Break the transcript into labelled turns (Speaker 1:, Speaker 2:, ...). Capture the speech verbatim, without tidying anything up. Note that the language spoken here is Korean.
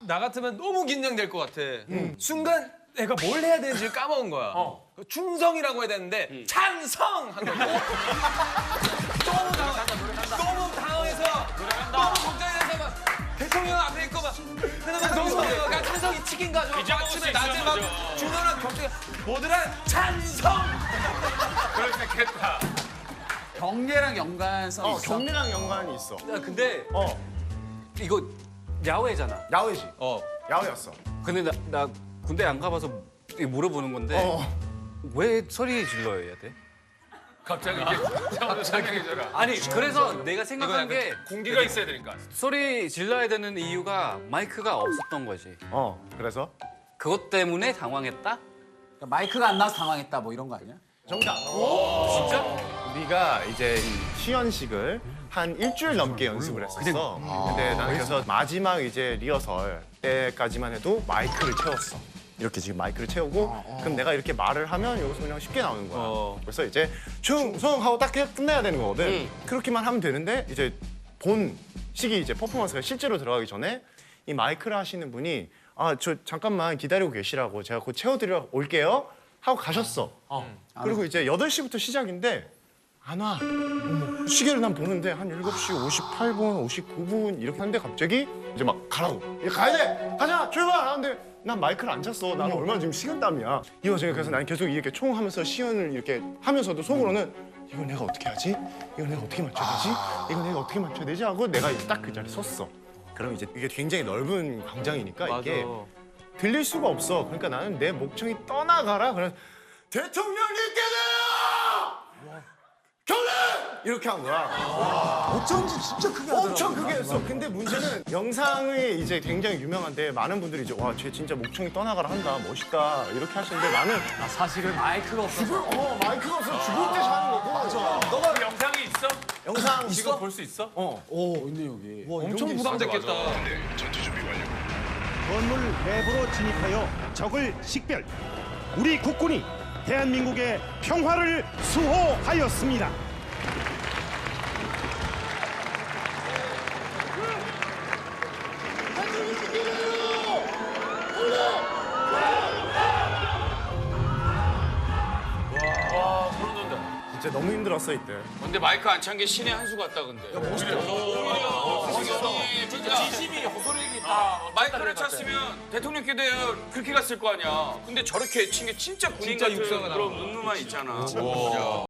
Speaker 1: 나 같으면 너무 긴장될 것 같아. 음. 순간 내가 뭘 해야 되는지 까먹은 거야.
Speaker 2: 어.
Speaker 1: 충성이라고 해야 되는데
Speaker 2: 음.
Speaker 1: 찬성! 한 거야. 너무 당황, 너무 당황해서 너무 걱정해서 막 대통령 앞에 있고 막 찬성가 찬성이 치킨 가지고 아침에 낮에 막 준호랑 격투 모두랑 찬성!
Speaker 2: 그럴 수 있겠다.
Speaker 3: 경례랑 연관성
Speaker 4: 어,
Speaker 3: 있어?
Speaker 4: 경례랑 연관이 있어.
Speaker 5: 야, 근데
Speaker 4: 어,
Speaker 5: 이거 야외잖아.
Speaker 4: 야외지.
Speaker 1: 어.
Speaker 4: 야외였어.
Speaker 5: 근데 나, 나 군대 안 가봐서 이거 물어보는 건데
Speaker 4: 어.
Speaker 5: 왜 소리 질러야 돼?
Speaker 2: 갑자기 이게 차원도 설명해줘라.
Speaker 5: 아니 그래서 내가
Speaker 1: 이거
Speaker 5: 생각한
Speaker 1: 약간
Speaker 5: 게
Speaker 2: 공기가 있어야 되니까.
Speaker 5: 소리 질러야 되는 이유가 마이크가 없었던 거지.
Speaker 4: 어, 그래서?
Speaker 5: 그것 때문에 당황했다?
Speaker 3: 그러니까 마이크가 안 나와서 당황했다 뭐 이런 거 아니야?
Speaker 4: 정답.
Speaker 5: 진짜?
Speaker 4: 우리가 이제 이 시연식을 한 일주일 넘게 연습을 했었어. 근데 나는 그래서 마지막 이제 리허설 때까지만 해도 마이크를 채웠어. 이렇게 지금 마이크를 채우고 그럼 내가 이렇게 말을 하면 여기서 그냥 쉽게 나오는 거야.
Speaker 5: 어.
Speaker 4: 그래서 이제 충성하고 딱 해- 끝내야 되는 거거든. 그렇게만 하면 되는데 이제 본 시기 이제 퍼포먼스가 실제로 들어가기 전에 이 마이크를 하시는 분이 아, 저 잠깐만 기다리고 계시라고 제가 곧 채워드리러 올게요 하고 가셨어. 그리고 이제 여덟 시부터 시작인데 안 와. 어머, 시계를 난 보는데 한 일곱 시 오십팔 분, 오십구 분 이렇게 하는데 갑자기 이제 막 가라고. 이제 가야 돼. 가자. 출발. 하는데 난 마이크를 안 찼어. 나는 얼마나 지금 식은땀이야. 이 와중에 그래서 난 계속 이렇게 총 하면서 시연을 이렇게 하면서도 속으로는 이걸 내가 어떻게 하지? 이걸 내가 어떻게 맞춰야 되지? 이걸 내가 어떻게 맞춰야 되지? 하고 내가 딱 그 자리에 섰어. 그럼 이제 이게 굉장히 넓은 광장이니까 이게 들릴 수가 없어. 그러니까 나는 내 목청이 떠나가라. 그래서 대통령님께서 경례! 이렇게 한 거야.
Speaker 3: 어쩐지 진짜 크게 하더라고.
Speaker 4: 엄청 크게 했어. 근데 문제는 영상이 이제 굉장히 유명한데 많은 분들이 이제 와, 쟤 진짜 목청이 떠나가라 한다. 멋있다. 이렇게 하시는데 나는
Speaker 3: 아, 사실은 마이크가 없어서.
Speaker 4: 어, 마이크가 없어 죽을 때 자는 거고. 맞아.
Speaker 2: 너가 그 영상이 있어?
Speaker 4: 영상
Speaker 2: 지금 볼 수 있어?
Speaker 4: 어.
Speaker 3: 오, 있네 여기.
Speaker 1: 엄청 부담됐겠다.
Speaker 6: 건물 내부로 진입하여 적을 식별. 우리 국군이 대한민국의 평화를 수호하였습니다.
Speaker 2: 와, 소름 돋는다.
Speaker 4: 진짜 너무 힘들었어 이때.
Speaker 2: 근데 마이크 안 찬 게 신의 한 수 같다, 근데. 멋있다. 멋있어. 진짜 진심이 호소력이 다. 마이크를 찼으면 대통령께도 그렇게 갔을 거 아니야. 근데 저렇게 친 게 진짜 군인
Speaker 1: 진짜
Speaker 2: 같은
Speaker 1: 육사가
Speaker 2: 그런
Speaker 1: 나와.
Speaker 2: 눈누만 있잖아.